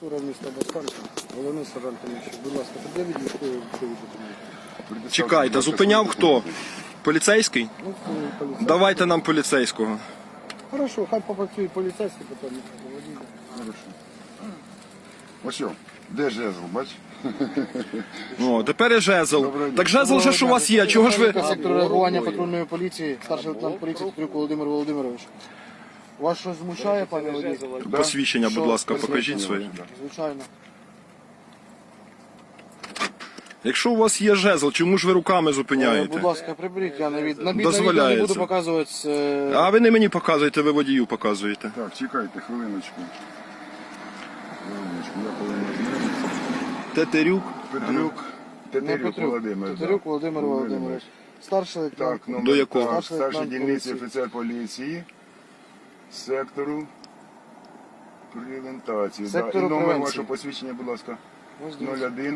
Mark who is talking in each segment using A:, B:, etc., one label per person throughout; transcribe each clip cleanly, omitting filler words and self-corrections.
A: Прокуратура міста Басканська, головний сержант Тимощук. Будь ласка, пред'явіть військові документи.
B: Чекайте, зупиняв хто? Поліцейський?
A: Ну, поліцейський.
B: Давайте нам поліцейського.
A: Хорошо, хай попрацює поліцейський, потім водій.
C: Хорошо. Ось що, де жезл, бач?
B: О, тепер і жезл. Так жезл же ж у вас є, чого ж ви...
A: Сектор реагування патрульної поліції, старший лейтенант поліції Тетерюк Володимир Володимирович. Вас щось змущає, пане водій?
B: Посвідчення, будь ласка,
C: Посвідчення
B: покажіть своє.
C: ваше, да.
A: Звичайно.
B: Якщо у вас є жезл, чому ж ви руками
A: Будь
B: зупиняєте?
A: ласка, приберіть, я на відео не
B: Дозволяється.
A: буду показувати.
B: А ви не мені показуєте, ви водію показуєте.
C: Так, чекайте, хвилиночку. Хвилиночку, я повинен знати.
B: Тетерюк.
C: Петрюк.
A: Не
C: Тетерюк
A: Петрюк,
C: Володимир.
A: Тетерюк Володимир Володимирович. Старший лейтенант.
C: Так, номер
B: До якого?
C: так,
A: Старший
C: старший
A: лейтенант
C: дільниці
A: поліції.
C: офіцер поліції сектору превентації. Да. І
A: Сектору
C: номер
A: превенції.
C: вашого посвідчення, будь ласка.
A: Ось дивіться.
C: 01.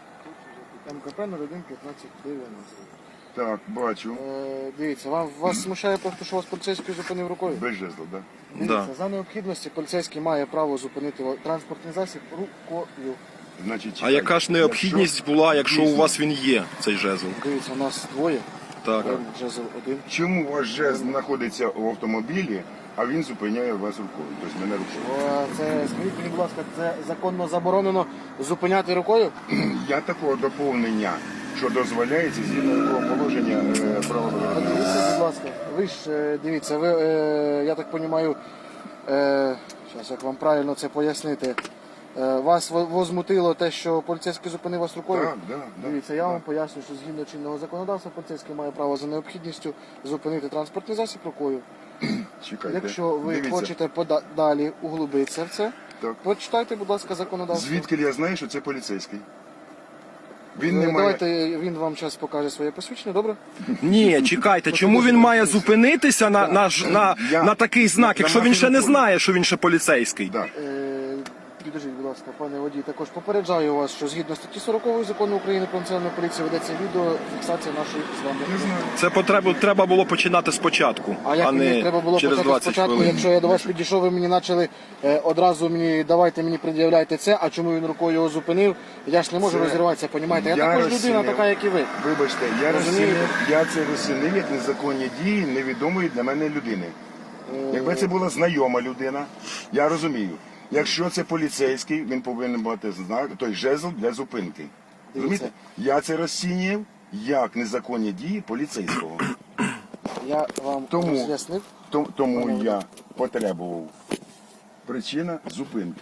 A: МКП 01 15 90.
C: Так, бачу.
A: Дивіться, вас смущає просто, що вас поліцейський зупинив рукою?
C: Без жезла, так?
A: Дивіться,
B: Да.
A: за необхідності поліцейський має право зупинити транспортний засіб рукою.
C: Значить,
B: А
C: чекайте.
B: яка ж необхідність була, якщо у вас він є, цей жезл?
A: Дивіться, у нас двоє.
B: Так.
A: Жезл один.
C: Чому ваш жезл знаходиться в автомобілі, а він зупиняє вас рукою? Тобто мене рукою.
A: Це, скажіть мені, будь ласка, це законно заборонено зупиняти рукою?
C: Я такого доповнення, що дозволяється згідно якого положення правил дорожнього руху.
A: Подивіться, будь ласка. Ви ж дивіться, ви, я так розумію, зараз як вам правильно це пояснити. Вас возмутило те, що поліцейський зупинив вас рукою?
C: Так, так.
A: Дивіться, я вам поясню, що згідно чинного законодавства поліцейський має право за необхідністю зупинити транспортний засіб рукою.
C: Чекайте.
A: Якщо ви
C: Дивіться.
A: хочете далі углубитися в це,
C: Так.
A: почитайте, будь ласка, законодавство.
C: Звідки я знаю, що це поліцейський? Він не має...
A: Давайте він вам зараз покаже своє посвідчення, добре?
B: Ні, чекайте, чому він має зупинитися на такий знак, якщо він ще не знає, що він ще поліцейський?
C: Да.
A: Підождіть, будь ласка, пане водій, також попереджаю вас, що згідно статті 40 закону України про національну поліцію ведеться відеофіксація нашої з вами.
C: Не знаю.
B: Це треба було починати спочатку,
A: А як мені
B: не
A: треба було
B: через
A: почати
B: 20
A: спочатку,
B: хвилин.
A: якщо я до вас підійшов, ви мені почали давайте мені пред'являйте це, а чому він рукою його зупинив, я ж не можу
C: Це-
A: розірватися, понімаєте? Я
C: Я
A: також людина
C: розцінив.
A: така, як і ви.
C: Вибачте,
A: Розумієте?
C: я це розцінив як незаконні дії невідомої для мене людини. Якби це була знайома людина, я розумію. Якщо це поліцейський, він повинен мати знак, той жезл для зупинки. Розумієте? Я це розцінював як незаконні дії поліцейського.
A: Я вам
C: Тому-
A: роз'яснив.
C: Тому я потребував причина зупинки.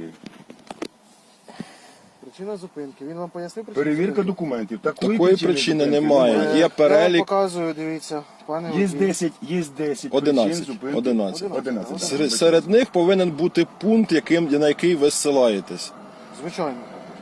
A: Причина зупинки. Він вам пояснив причину
C: Перевірка
A: зупинки?
C: документів.
B: Такої причини
C: зупинки
B: немає. Є
A: Я
B: перелік.
A: вам показую, дивіться, пане
C: Є
A: водій.
C: 10 причин
B: 11.
C: зупинки.
B: 11.
C: 11.
B: Серед них повинен бути пункт, на який ви зсилаєтесь.
A: Звичайно.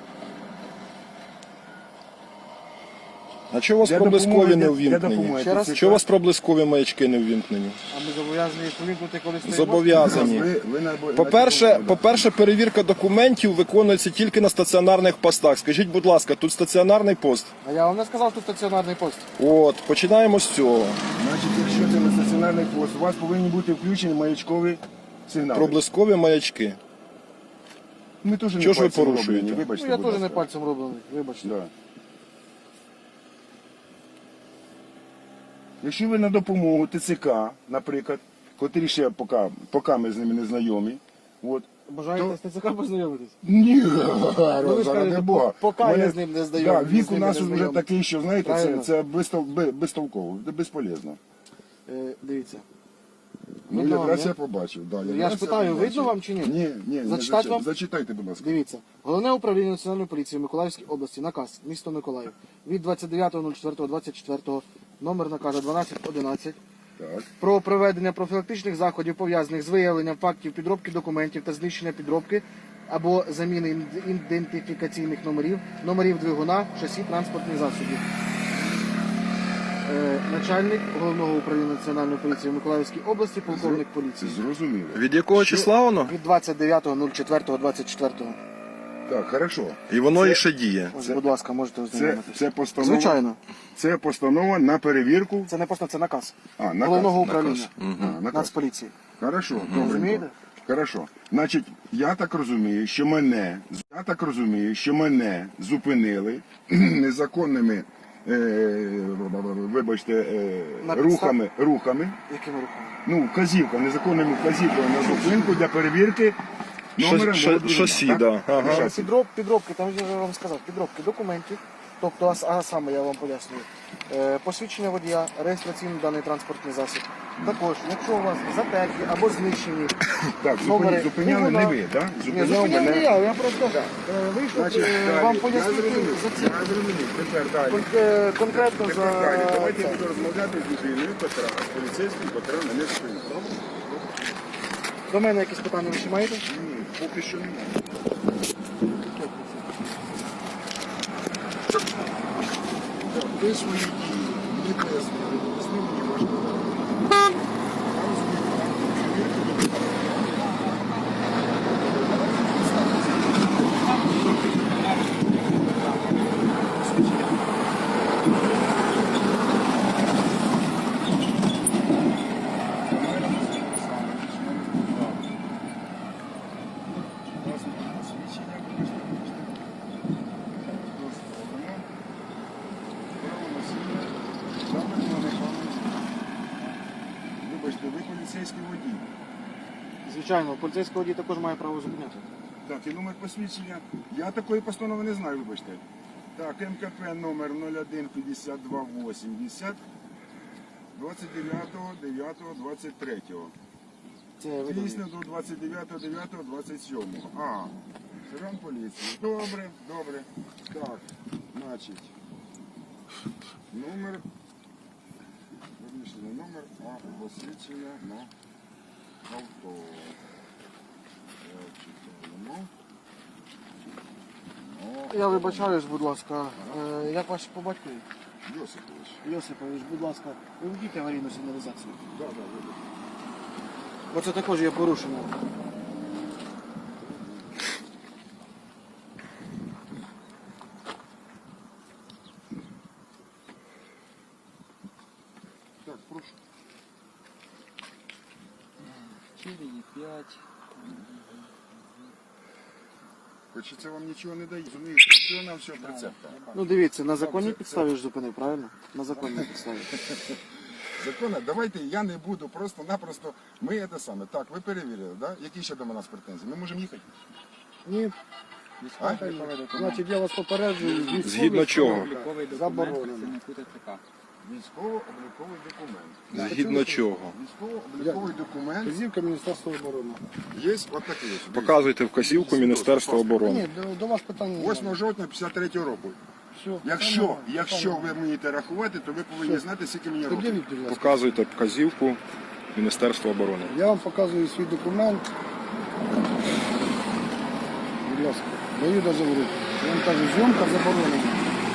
B: А чого у вас
C: Для
B: проблискові
C: допомоги-
B: не
C: для
B: ввімкнені?
C: допомоги
A: Ще раз?
C: ТЦК.
B: Чого у вас проблискові маячки не ввімкнені?
A: А ми зобов'язані їх повімкнути, коли стоїмо?
B: Зобов'язані.
C: Ви на-
B: По-перше, перевірка документів виконується тільки на стаціонарних постах. Скажіть, будь ласка, тут стаціонарний пост?
A: А я вам не сказав, тут стаціонарний пост.
B: От, починаємо з цього.
C: Значить, якщо це не стаціонарний пост, у вас повинні бути включені маячкові сигнали.
B: Проблискові маячки.
C: Ми теж не
B: Чого ж ви
C: пальцем
B: порушуєте?
C: роблені, вибачте,
A: Ну, я
C: будь
A: теж не
C: ласка.
A: пальцем роблений, вибачте.
C: Да. Якщо ви на допомогу ТЦК, наприклад, котрі ще поки ми з ними не знайомі, от,
A: Бажаєте з ТЦК познайомитись?
C: ні,
A: ви ж
C: заради
A: кажете,
C: Бога.
A: поки
C: Мене-
A: я з ним не знайомий,
C: Да, вік
A: з
C: у
A: ними
C: нас
A: не
C: вже
A: знайомий.
C: такий, що, знаєте,
A: Правильно.
C: це безтолково, це безполезно.
A: Дивіться.
C: Ну,
A: Видно вам,
C: якраз
A: ні?
C: я побачив. Да,
A: Я
C: якраз
A: ж питаю,
C: побачив.
A: видно вам чи ні?
C: Ні,
A: Зачитати вам?
C: Зачитайте, будь ласка.
A: Дивіться. Головне управління Національної поліції в Миколаївській області, наказ, місто Миколаїв, від 29.04.24, номер наказу 1211,
C: Так.
A: про проведення профілактичних заходів, пов'язаних з виявленням фактів підробки документів та знищення підробки або заміни ідентифікаційних номерів двигуна, шасі транспортних засобів. Начальник Головного управління Національної поліції в Миколаївській області, полковник поліції.
C: Зрозуміло.
B: Від якого числа воно?
A: Від 29.04.24.
C: Так, хорошо.
B: І воно і ще діє.
A: Ось, будь ласка, можете ознайомитися.
C: Це постанова.
A: Звичайно.
C: Це постанова на перевірку.
A: Це не просто, це наказ.
C: А, наказ,
A: Головного
C: наказ.
A: управління
C: Наказ.
A: Нацполіції.
C: Хорошо, добренько.
A: Розумієте?
C: Хорошо. Значить, я так розумію, що мене зупинили незаконними, вибачте,
A: На підстав-
C: рухами,
A: Якими руками?
C: ну, незаконними вказівками на зупинку для перевірки номера мого двигуна,
B: Шасі,
C: так?
B: да. Ага.
C: Шасі.
A: Підробки, там я вам сказав, підробки документів, тобто, а саме я вам пояснюю, посвідчення водія, реєстраційний даний транспортний засіб. Також, якщо у вас затерті або знищені
C: Так,
A: номери
C: зупиняли не ви, так?
A: Ні,
C: Зупиняв
A: зупиняв не
C: мене.
A: я просто вийшов
C: Значить,
A: вам
C: далі.
A: пояснити за ці.
C: Я зрозумів. Тепер далі.
A: Конкретно за
C: Тепер далі. Давайте я
A: це.
C: буду розмовляти з людиною, котра, з поліцейським, котра мене зупинила.
A: До мене якісь питання ви ще маєте?
C: Ні, поки що немає. Ви свої дії мені пояснили, мені важливо. Вибачте, ви поліцейський водій.
A: Звичайно, поліцейський водій також має право зупиняти.
C: Так, і номер посвідчення. Я такої постанови не знаю, вибачте. Так, МКП номер 015280 29.09.23.
A: Це ви
C: Дійсно до 29.09.27. А, сержант поліції. Добре, добре. Так, значить, номер, вирішили номер, а посвідчення на авто. Читаємо.
A: Я вибачаюсь, будь ласка. Як ваш по батькові?
C: Йосипович.
A: Йосипович, будь ласка, виведіть аварійну сигналізацію.
C: Да, да, вибач.
A: Бо це також є порушення.
C: Так, прошу.
D: 4,5.
C: Хоч це вам нічого не дає, розумієте? Що нам все прицепка?
A: Ну дивіться, на законній підставі ж зупинив, правильно? На законній підставі.
C: Законно, давайте я не буду просто-напросто. Ми це саме. Так, ви перевірили, да? Які ще до нас претензії? Ми можемо їхати?
A: Ні,
C: А?
A: значить я вас попереджую.
B: Згідно чого?
D: Обліковий документ
A: Заборонено.
D: працівнику ТЦК.
C: Військово-обліковий документ.
B: Згідно чого?
C: Військово-обліковий документ
A: Вказівка Міністерства оборони.
C: є от такий ось.
B: Показуйте вказівку Міністерства оборони.
A: Ні, до вас питання немає.
C: 8 жовтня 53 року.
A: Все.
C: Якщо ви вмієте рахувати, то ви повинні знати, скільки мені років.
A: Пред'явіть, будь ласка.
B: Показуйте вказівку Міністерства оборони.
A: Я вам показую свій документ. Будь ласка, даю дозвіл руку. Я вам кажу, зйомка заборонена.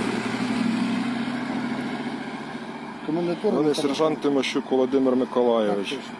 A: Комендатура
B: Вони
A: не
B: сержант Тимощук Володимир
A: Так,
B: Миколайович.
A: точно.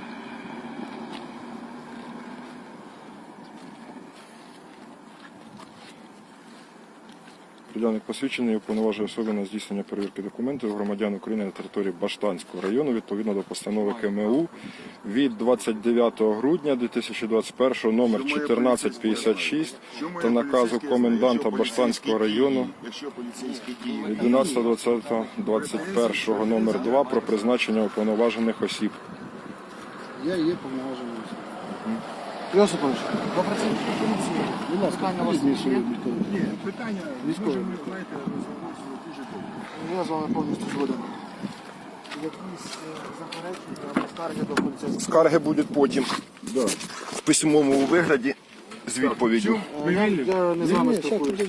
B: Приділник посвідчений уповноважує особи на здійснення перевірки документів громадян України на території Баштанського району відповідно до постанови КМУ від 29 грудня 2021 номер 1456 та наказу коменданта Баштанського району
C: Якщо поліцейські дії
B: від 11.20.21 номер 2 про призначення уповноважених осіб.
A: Я є повноважений. Йосипович, до працівників поліції. Будь ласка, питання у вас є?
C: Ні, питання
A: Військові.
C: можемо, знаєте, розговорити дуже довго.
A: Я з вами повністю згоден. Якісь заперечення або скарги до поліцейських?
B: Скарги будуть потім
C: Да.
B: в письмовому вигляді з відповіддю.
A: Я не з вами спілкуюся.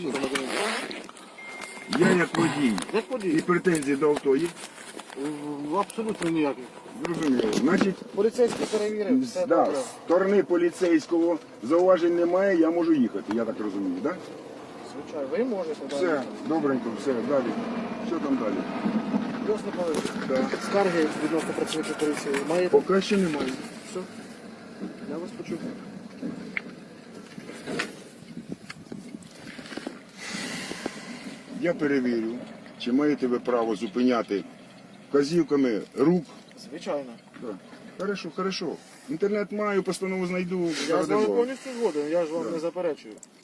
C: Я як водій.
A: Як
C: І
A: водій?
C: претензії до авто є?
A: Абсолютно ніяких.
C: Зрозуміло. Значить,
A: Поліцейський перевірив, все
C: да,
A: добре.
C: з сторони поліцейського зауважень немає, я можу їхати, я так розумію, так?
A: Звичайно, ви можете.
C: Все, добренько, все, далі. Що там далі?
A: Йосипович,
C: Да.
A: скарги відносно працівників поліції маєте?
C: Поки що немає.
A: Все. Я вас почув.
C: Я перевірю, чи маєте ви право зупиняти вказівками рук.
A: Звичайно.
C: Да. Хорошо, хорошо. Інтернет маю, постанову знайду.
A: Я з
C: заради
A: вами
C: Бога.
A: повністю згоден, я ж вам не заперечую.